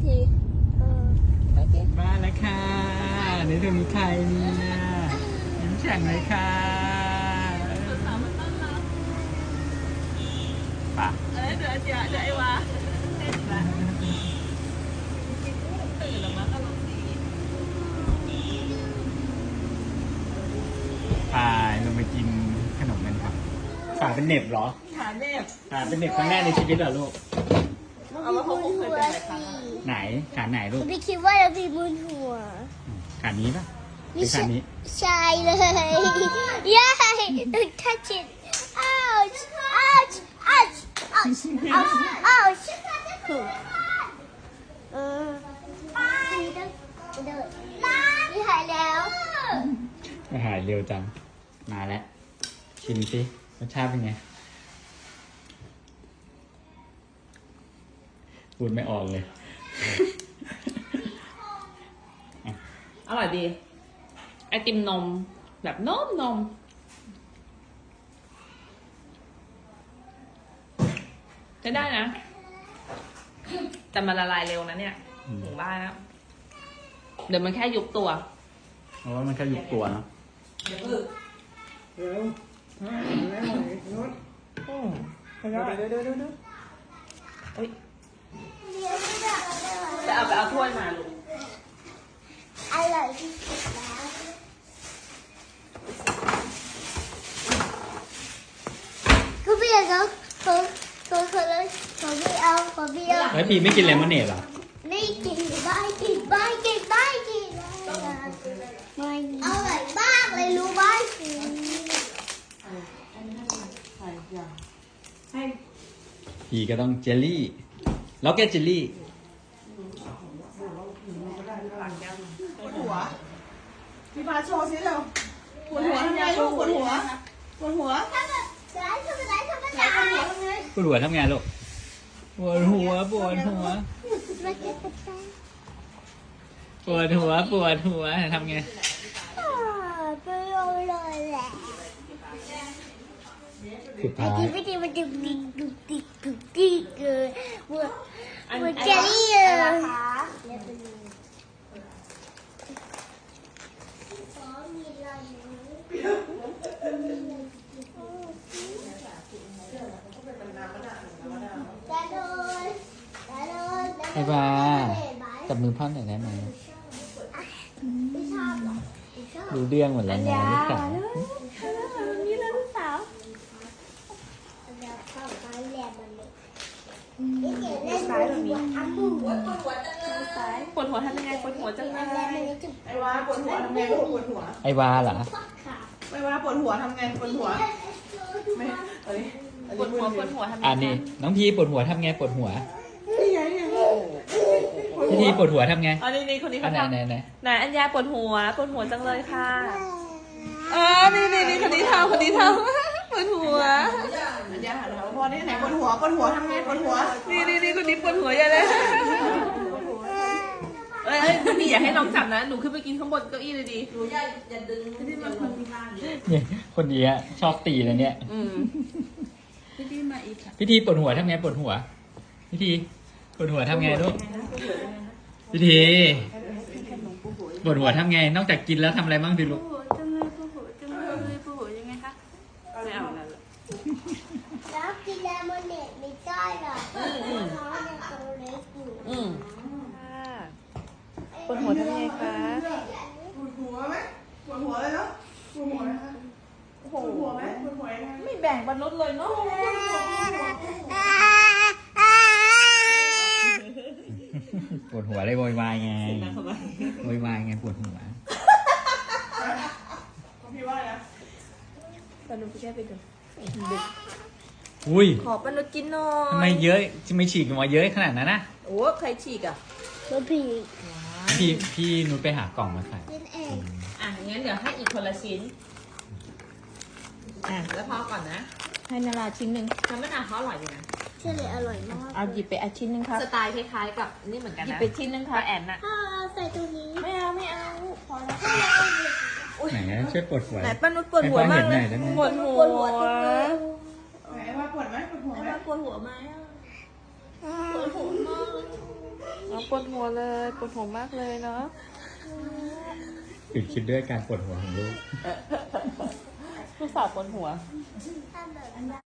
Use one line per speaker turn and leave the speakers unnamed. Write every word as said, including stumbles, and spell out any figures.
ทีเออไปที
มาแล้วค่ะนี่ตรงนี้ใครเนี่ยยิ้มแฉ่งเลยค่ะป่ะ
เอ้ยเดี๋ยวเดี๋ยวเดี๋ยวไอ้วะเต้นละตื่นแล้วมั้งอารมณ์ดี
ไปลงไปกินขนมกันครับขาเป็นเหน็บเหรอ
ขาเน็บ
ขาเป็นเหน็บครั้งแรกในชีวิตเหรอลูก
เอาว่าเขาคงเคยเป็นหลายครั้ง
ไหนขาไหนลูก
พี่คิดว่าเรามีบนหัว
ขานี้ปะหรือขานี้
ใช่เลยย้ายต้อง touch it ouch ouch ouch ouch ouch ouch เออไปต้องเดินนี่หายแล้ว
อาหารเร็วจังมาแล้วชิมสิรสชาติเป็นไงพูดไม่ออกเลย
อร่อยดีไอติมนมแบบนมนมจะได้นะแต่มันละลายเร็วนะเนี่ย
อืม
ถึงบ้านแล้วเดี๋ยวมันแค่ยุบตัว
เพราะว่ามันแค่ยุบตัวเนาะ
เดี๋ยวพึ่ง
เร็วห้าแล้วนุช
อืมเดี๋ยวเดี๋ยวเดี๋ยวเดี๋ยวเดี๋ยวเอ้ยจะเอาไปเอาถ้วยมาลูก
อร่อยที่สุดแล้วคุณพี่เขาเขาเขาเขาเลยเขาไม่เอาเขาไม่เอา
แล้วพีไม่กินเลมอนเนดเหรอ
ไม่กินไม่กินไม่กินไม่กินไม่กินอร่อยมากเลยรู้ไหม
พีก็ต้องเจลลี่ล็อกเก็ตเจลลี่
ปวดหัวพี่พาโชว์สิเร็วปวดหัวทำไงลูกปวดหัวปวดหัว
ทำแบบไหนทำแบบไหนทำแบบไหน
ปวดหัวทำไง
ปวดหัวทำไงลูกปวดหัวปวดหัว ปวดหัวปวดหัวทำไง
ไปเลยแหละ
สุด
ไอ้
ท้าย
ที่ไม่ดีมันดึกดิกดึกดิกดึกดิกเกินเหมือนเหมือนเจลลี่เลยจะโดนจะโดน
ไอ้บาจับมือพ่อหน่อยได้ไหม
ไม่ชอบหรอ
รู้เรื่องหมดแล้วนะลูกสาว
นี่เลยลูกสาว
เดี๋ยวเข้าไปแหลมมันเลยนี่เดี๋ยวเล่นแบบนี้อ้ำมือ
ปวดหัวจังเลยปวดหัวทำยังไงปวดหัวจังเล
แหลมมัน
ย
เลยจุด
ไอ้วาปวดหัวทำไงลูกปวดหัว
ไอ้บาเหรอ
พักขา
ไอ้วาปวดหัวทำไงปวดหัวไม่เอ้ย
ปวดหัวปวดหัวทำยังไง
อันนี้น้องพีปวดหัวทำไงปวดหัว
นี่ไงนี่ไง
พี่ทีปวดหัวทำไง
อันนี้นี่คนนี้
อั
เขา
นไหน
ทำ
ไหนไหน
ไหนอัญญาปวดหัวปวดหัวจังเลยค่ะเออนี่นี่นี่คนนี้ทำคนนี้ทำปวดหัว
อันนี้หันมาพ่อนี่ไหนปวดหัวปวดหัวทำไงปวดหัว
นี่นี่นี่คนนี้ปวดหัวใหญ่เลยเอ้ยเอ้ยพี่อย่าให้น้องจับนะหนูขึ้นไปกินข้างบนเก้าอี้เลยดีหนูอย่าอย่าดึงที่มันคนที่บ้าน
เนี่ยคนดีอะชอบตีเลยเนี่ย
อืม
พี่ทีปวดหัวทำไงปวดหัวพี่ทีปวดหัวทำไงลูกพี่ทีปวดหัวทำไง นอกจากกินแล้วทำอะไรบ้างดิลูก
จังเลยปวดหัวจังเลยปวดหัวยังไงคะไม่เอาแล้ว
แล้วกินเลมอนเนดไม่ได้หรอกเพราะน้องยังตัวเล็กอยู่
อืมปวดหัวทำยังไงคะ
ปวดหัวไหมปวดหัวเลยเนาะปวดหัวไหมคะปวดหัวไหมปวดหัวยังไง
ไม่แบ่งบรรลุเลยเนาะ
ปวดหัวเลยโวยวายไงโวยวายไงปวดหัว
พี่ว่านะ
บรรลุพี่แค่ไปดู
อุ้ย
ขอบรรลุกินหน่อย
ทำไมเยอะจะไม่ฉีกออกมาเยอะขนาดนั้นนะ
โอ้ใครฉีกอ่ะ
ตัวผี
พี่พี่นุชไปหากล่องมาใส่
เป็นเอง
อ่ะงั้นเดี๋ยวให้อีกคนละชิ้นอ่ะแล้วพอก่อนนะให้นาราชิ้นหนึ่งน้ำมะนาวเขาอร่อยดีนะ
เชื่อเลยอร่อยมาก
เอาหยิบไปอันชิ้นหนึ่งครับสไตล์คล้ายๆกับนี่เหมือนกันนะหยิบไปชิ้นหนึ่งค่ะแอนน่ะ
ถ้าใส่ตัวนี้
ไม่เอาไม่เอาพอแล้ว
ไหนนะช่วยปวดหัว
ไหนป้านุชปวดหัวมากเลย
ให้ป้าเห็นหน่อยได้ไหม
ปวดหัว
ไหนว่าปวดไหมปวดหัวไหม
ปวดหัวไหมอ่ะปวดหัวมากน้องปวดหัวเลยปวดหัวมากเลยเนาะ
ตื่นคิดด้วยการปวดหัวของลูก
ลูกสาวปวดหัว